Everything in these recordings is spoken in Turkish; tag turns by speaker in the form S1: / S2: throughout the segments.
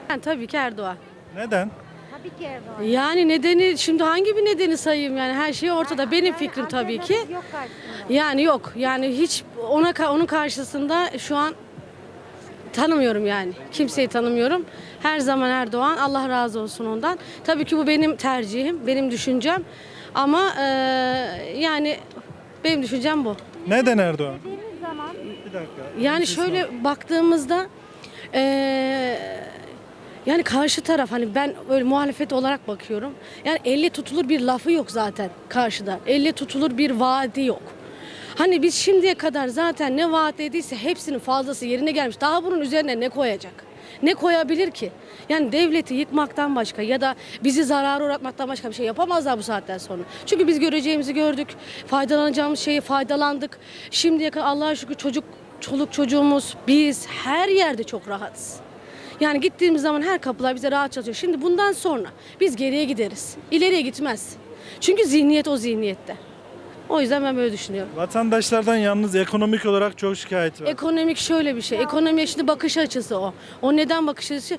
S1: Yani tabii ki Erdoğan.
S2: Neden?
S3: Tabii ki Erdoğan.
S1: Yani nedeni şimdi hangi bir nedeni sayayım yani her şey ortada. Benim fikrim tabii ki.
S3: Alternatif yok karşısında.
S1: Yani yok. Yani hiç onun karşısında şu an tanımıyorum yani. Kimseyi tanımıyorum. Her zaman Erdoğan. Allah razı olsun ondan. Tabii ki bu benim tercihim, benim düşüncem. Ama yani benim düşüncem bu.
S2: Neden Erdoğan?
S3: Dediğimiz zaman
S2: Bir dakika.
S1: Yani
S2: Bir şey
S1: şöyle baktığımızda yani karşı taraf hani ben öyle muhalefet olarak bakıyorum. Yani elle tutulur bir lafı yok zaten karşıda. Elle tutulur bir vaadi yok. Hani biz şimdiye kadar zaten ne vaat ediyse hepsinin fazlası yerine gelmiş. Daha bunun üzerine ne koyacak? Ne koyabilir ki? Yani devleti yıkmaktan başka ya da bizi zarara uğratmaktan başka bir şey yapamazlar bu saatten sonra. Çünkü biz göreceğimizi gördük. Faydalanacağımız şeyi faydalandık. Şimdiye kadar Allah'a şükür çoluk çocuğumuz, biz her yerde çok rahatız. Yani gittiğimiz zaman her kapılar bize rahat çalışıyor. Şimdi bundan sonra biz geriye gideriz. İleriye gitmez. Çünkü zihniyet o zihniyette. O yüzden ben böyle düşünüyorum.
S2: Vatandaşlardan yalnız ekonomik olarak çok şikayet var.
S1: Ekonomik şöyle bir şey. Ekonomiye şimdi bakış açısı o. O neden bakış açısı?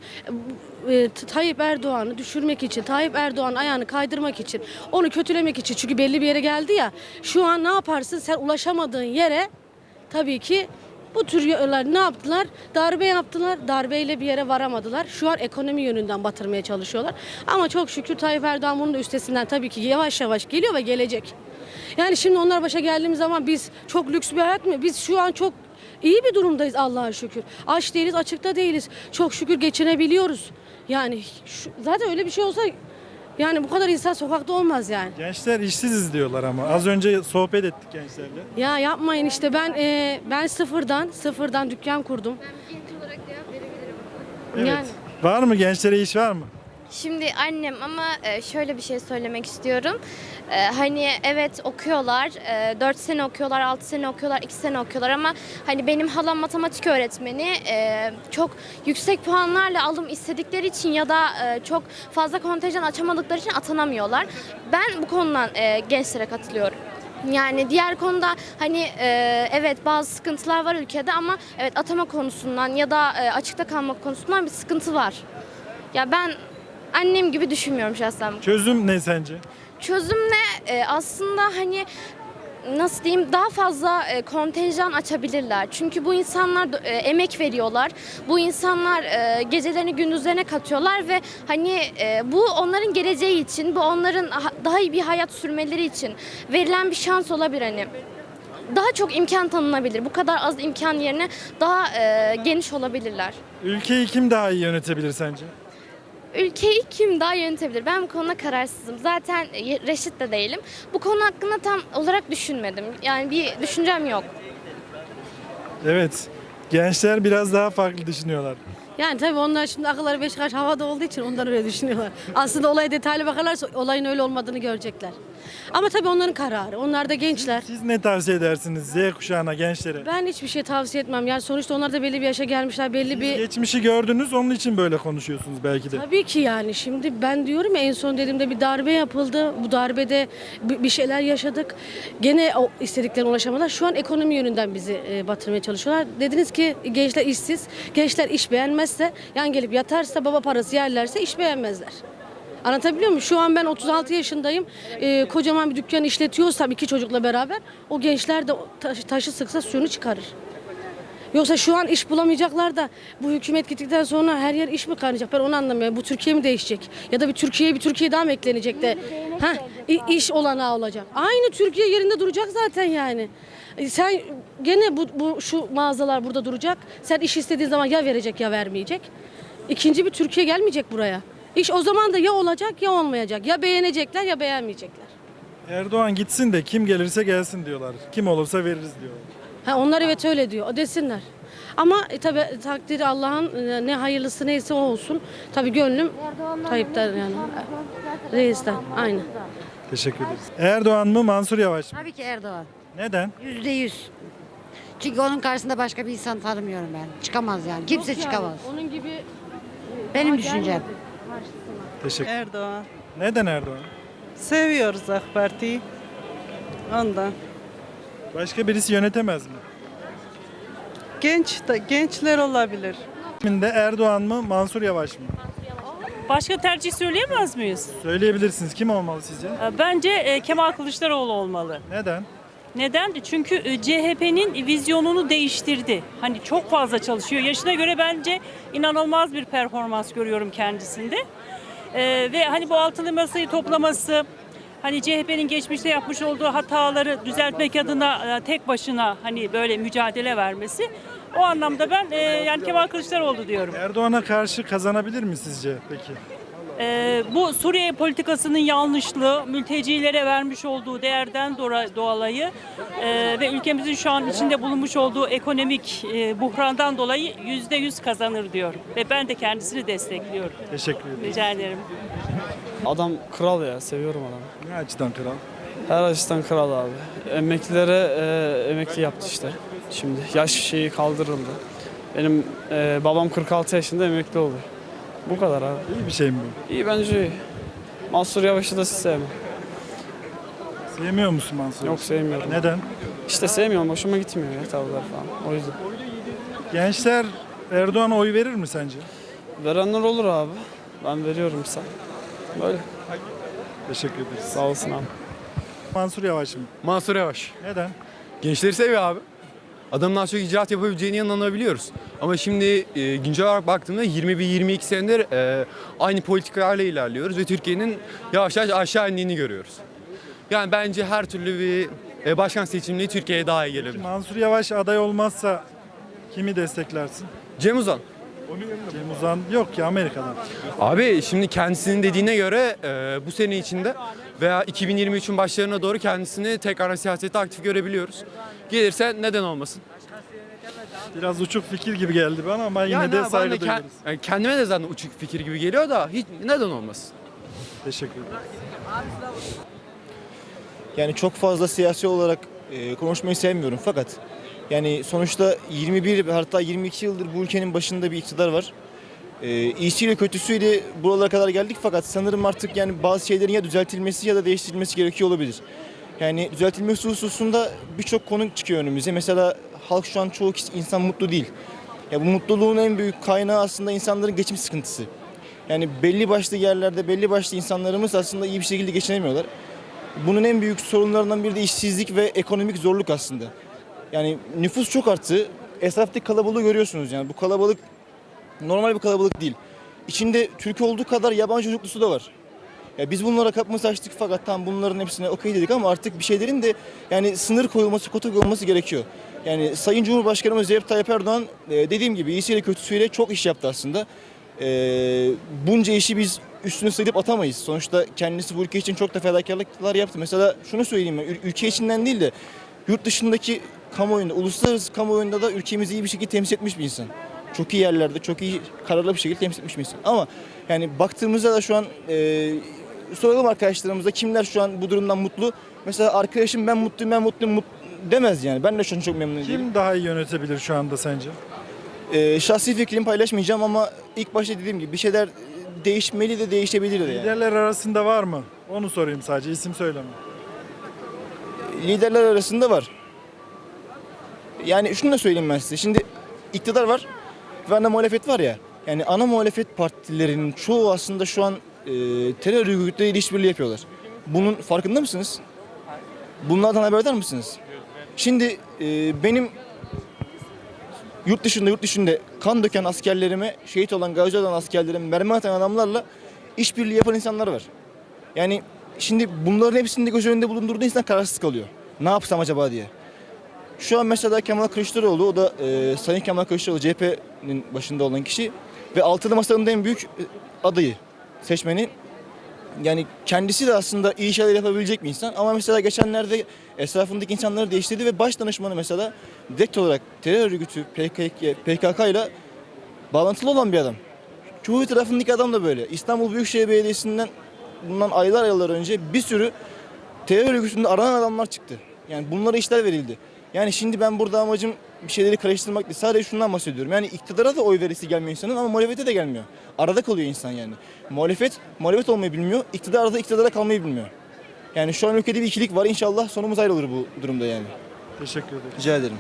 S1: Tayyip Erdoğan'ı düşürmek için, Tayyip Erdoğan ayağını kaydırmak için, onu kötülemek için. Çünkü belli bir yere geldi ya. Şu an ne yaparsın? Sen ulaşamadığın yere tabii ki bu tür yollar ne yaptılar? Darbe yaptılar. Darbeyle bir yere varamadılar. Şu an ekonomi yönünden batırmaya çalışıyorlar. Ama çok şükür Tayyip Erdoğan bunun da üstesinden tabii ki yavaş yavaş geliyor ve gelecek. Yani şimdi onlar başa geldiğimiz zaman biz çok lüks bir hayat mı? Biz şu an çok iyi bir durumdayız Allah'a şükür. Aç değiliz, açıkta değiliz. Çok şükür geçinebiliyoruz. Yani zaten öyle bir şey olsa yani bu kadar insan sokakta olmaz yani.
S2: Gençler işsiziz diyorlar ama. Az önce sohbet ettik gençlerle.
S1: Ya yapmayın işte ben sıfırdan dükkan kurdum.
S4: Genç olarak cevap verebilirim.
S2: Evet.
S1: Yani
S2: Var mı? Gençlere iş var mı?
S4: Şimdi annem ama şöyle bir şey söylemek istiyorum. Hani evet okuyorlar, 4 sene okuyorlar, 6 sene okuyorlar, 2 sene okuyorlar ama hani benim halam matematik öğretmeni, çok yüksek puanlarla alım istedikleri için ya da çok fazla kontenjan açamadıkları için atanamıyorlar. Ben bu konudan gençlere katılıyorum. Yani diğer konuda hani evet bazı sıkıntılar var ülkede ama evet atama konusundan ya da açıkta kalmak konusundan bir sıkıntı var. Ya ben annem gibi düşünmüyorum şahsen.
S2: Çözüm ne sence?
S4: Çözüm ne? Aslında hani nasıl diyeyim daha fazla kontenjan açabilirler. Çünkü bu insanlar emek veriyorlar. Bu insanlar gecelerini gündüzlerine katıyorlar ve hani bu onların geleceği için, bu onların daha iyi bir hayat sürmeleri için verilen bir şans olabilir hani. Daha çok imkan tanınabilir. Bu kadar az imkan yerine daha geniş olabilirler.
S2: Ülkeyi kim daha iyi yönetebilir sence?
S4: Ülkeyi kim daha yönetebilir? Ben bu konuda kararsızım. Zaten reşit de değilim. Bu konu hakkında tam olarak düşünmedim. Yani bir düşüncem yok.
S2: Evet. Gençler biraz daha farklı düşünüyorlar.
S1: yani tabii onlar şimdi akılları beş karış havada olduğu için ondan öyle düşünüyorlar. Aslında olaya detaylı bakarlarsa olayın öyle olmadığını görecekler. Ama tabii onların kararı. Onlar da gençler.
S2: Siz ne tavsiye edersiniz Z kuşağına, gençlere?
S1: Ben hiçbir şey tavsiye etmem. Yani sonuçta onlar da belli bir yaşa gelmişler. Belli bir
S2: Geçmişi gördünüz, onun için böyle konuşuyorsunuz belki de.
S1: Tabii ki yani şimdi ben diyorum ya en son dediğimde bir darbe yapıldı. Bu darbede bir şeyler yaşadık. Gene o istediklerine ulaşamadılar. Şu an ekonomi yönünden bizi batırmaya çalışıyorlar. Dediniz ki gençler işsiz. Gençler iş beğenmezse yan gelip yatarsa baba parası yerlerse iş beğenmezler. Anlatabiliyor muyum? Şu an ben 36 yaşındayım. Kocaman bir dükkan işletiyorsam 2 çocukla beraber o gençler de taşı sıksa suyunu çıkarır. Yoksa şu an iş bulamayacaklar da bu hükümet gittikten sonra her yer iş mi kaynayacak? Ben onu anlamıyorum. Bu Türkiye mi değişecek? Ya da bir Türkiye daha mı eklenecek de iş olanağı olacak? Aynı Türkiye yerinde duracak zaten yani. Sen gene şu mağazalar burada duracak. Sen iş istediğin zaman ya verecek ya vermeyecek. İkinci bir Türkiye gelmeyecek buraya. İş o zaman da ya olacak ya olmayacak. Ya beğenecekler ya beğenmeyecekler.
S2: Erdoğan gitsin de kim gelirse gelsin diyorlar. Kim olursa veririz diyorlar.
S1: Onlar evet öyle diyor. O desinler. Ama tabii takdiri Allah'ın ne hayırlısı neyse o olsun. Tabii gönlüm Tayyip'ten yani. Reis'ten. Aynen.
S2: Teşekkür ederiz. Erdoğan mı, Mansur Yavaş mı?
S3: tabii ki Erdoğan.
S2: Neden?
S3: %100. Çünkü onun karşısında başka bir insan tanımıyorum ben. Çıkamaz yani. Kimse çıkamaz.
S1: Onun gibi
S3: Benim düşüncem.
S2: Teşekkür.
S5: Erdoğan.
S2: Neden Erdoğan?
S5: Seviyoruz AK Parti'yi. Ondan.
S2: Başka birisi yönetemez mi?
S5: Gençler olabilir.
S2: Şimdi Erdoğan mı, Mansur Yavaş mı?
S6: Başka tercih söyleyemez miyiz?
S2: Söyleyebilirsiniz. Kim olmalı sizce?
S6: Bence Kemal Kılıçdaroğlu olmalı.
S2: Neden?
S6: Neden? Çünkü CHP'nin vizyonunu değiştirdi. Hani çok fazla çalışıyor. Yaşına göre bence inanılmaz bir performans görüyorum kendisinde. Ve hani bu altılı masayı toplaması, hani CHP'nin geçmişte yapmış olduğu hataları düzeltmek adına tek başına hani böyle mücadele vermesi. O anlamda ben yani Kemal Kılıçdaroğlu diyorum.
S2: Erdoğan'a karşı kazanabilir mi sizce peki?
S6: Bu Suriye politikasının yanlışlığı, mültecilere vermiş olduğu değerden dolayı ve ülkemizin şu an içinde bulunmuş olduğu ekonomik buhrandan dolayı %100 kazanır diyorum. Ve ben de kendisini destekliyorum.
S2: Teşekkür ederim.
S6: Rica ederim.
S7: Adam kral ya, seviyorum adamı.
S2: Ne açıdan kral?
S7: Her açıdan kral abi. Emeklilere emekli yaptı işte. Şimdi yaş şeyi kaldırıldı. Benim babam 46 yaşında emekli oldu. Bu kadar abi.
S2: İyi bir şey mi bu?
S7: İyi bence iyi. Mansur Yavaş'ı da sevmem.
S2: Sevmiyor musun Mansur?
S7: Yok sevmiyorum.
S2: Neden?
S7: İşte sevmiyorum, hoşuma gitmiyor ya tavırlar falan. O yüzden.
S2: Gençler Erdoğan'a oy verir mi sence?
S7: Verenler olur abi. Ben veriyorum sen. Böyle.
S2: Teşekkür ederiz.
S7: Sağ olsun abi.
S2: Mansur Yavaş mı?
S8: Mansur Yavaş.
S2: Neden?
S8: Gençleri seviyor abi. Adamın daha çok icraat yapabileceğine inanabiliyoruz. Ama şimdi güncel olarak baktığımda 21-22 senedir aynı politikalarla ilerliyoruz ve Türkiye'nin yavaş yavaş aşağı indiğini görüyoruz. Yani bence her türlü bir başkan seçimliği Türkiye'ye daha iyi gelebilir.
S2: Mansur Yavaş aday olmazsa kimi desteklersin?
S8: Cem Uzan.
S2: Cem Uzan yok ya, Amerika'dan.
S8: Abi şimdi kendisinin dediğine göre bu sene içinde veya 2023'ün başlarına doğru kendisini tekrar siyasette aktif görebiliyoruz. Gelirse neden olmasın?
S2: Biraz uçuk fikir gibi geldi bana ama yine
S8: Yani
S2: de
S8: ben de
S2: saygı duyuyoruz.
S8: yani kendime de zaten uçuk fikir gibi geliyor da hiç neden olmasın?
S2: Teşekkür ederim.
S9: Yani çok fazla siyasi olarak konuşmayı sevmiyorum fakat yani sonuçta 21 hatta 22 yıldır bu ülkenin başında bir iktidar var. İyisiyle kötüsüyle buralara kadar geldik fakat sanırım artık yani bazı şeylerin ya düzeltilmesi ya da değiştirilmesi gerekiyor olabilir. Yani düzeltilmesi hususunda birçok konu çıkıyor önümüze. Mesela halk şu an çoğu insan mutlu değil. Ya bu mutluluğun en büyük kaynağı aslında insanların geçim sıkıntısı. Yani belli başlı yerlerde belli başlı insanlarımız aslında iyi bir şekilde geçinemiyorlar. Bunun en büyük sorunlarından biri de işsizlik ve ekonomik zorluk aslında. Yani nüfus çok arttı. Etraftaki kalabalığı görüyorsunuz yani. Bu kalabalık normal bir kalabalık değil. İçinde Türk olduğu kadar yabancı çocuklusu da var. Ya biz bunlara kapımızı açtık fakat tam bunların hepsine okey dedik ama artık bir şeylerin de yani sınır koyulması, kota koyulması gerekiyor. Yani Sayın Cumhurbaşkanımız Recep Tayyip Erdoğan dediğim gibi iyisiyle kötüsüyle çok iş yaptı aslında. Bunca işi biz üstüne sayıp atamayız. Sonuçta kendisi bu ülke için çok da fedakarlıklar yaptı. Mesela şunu söyleyeyim ben, ülke içinden değil de yurt dışındaki kamuoyunda, uluslararası kamuoyunda da ülkemizi iyi bir şekilde temsil etmiş bir insan. Çok iyi yerlerde, çok iyi kararlı bir şekilde temsil etmiş bir insan. Ama yani baktığımızda da şu an soralım arkadaşlarımıza kimler şu an bu durumdan mutlu? Mesela arkadaşım ben mutluyum demez yani. Ben de şu an çok memnun değilim.
S2: Kim daha iyi yönetebilir şu anda sence?
S9: Şahsi fikrimi paylaşmayacağım ama ilk başta dediğim gibi bir şeyler değişmeli de değişebilir de yani.
S2: Liderler arasında var mı? Onu sorayım sadece, isim söyleme.
S9: Liderler arasında var. Yani şunu da söyleyeyim ben size. Şimdi iktidar var ve ana muhalefet var ya. Yani ana muhalefet partilerinin çoğu aslında şu an terör örgütleriyle işbirliği yapıyorlar. Bunun farkında mısınız? Bunlardan haberdar mısınız? Şimdi benim yurt dışında kan döken askerlerime, şehit olan, gazi olan askerlerime mermi atan adamlarla işbirliği yapan insanlar var. Yani şimdi bunların hepsini de göz önünde bulundurduğu insan kararsız kalıyor. Ne yapsam acaba diye. Şu an mesela Kemal Kılıçdaroğlu, o da Sayın Kemal Kılıçdaroğlu CHP'nin başında olan kişi ve altılı masanın en büyük adayı, seçmeni. Yani kendisi de aslında iyi şeyler yapabilecek bir insan ama mesela geçenlerde etrafındaki insanları değiştirdi ve baş danışmanı mesela direkt olarak terör örgütü PKK ile bağlantılı olan bir adam. Çoğu tarafındaki adam da böyle. İstanbul Büyükşehir Belediyesi'nden bundan aylar önce bir sürü terör örgütünde aranan adamlar çıktı. Yani bunlara işler verildi. Yani şimdi ben burada amacım bir şeyleri karıştırmak değil. Sadece şundan bahsediyorum. Yani iktidara da oy verisi gelmiyor insanın ama muhalefete de gelmiyor. Arada kalıyor insan yani. Muhalefet olmayı bilmiyor. İktidara kalmayı bilmiyor. Yani şu an ülkede bir ikilik var. İnşallah sonumuz ayrılır bu durumda yani.
S2: Teşekkür ederim.
S9: Rica ederim.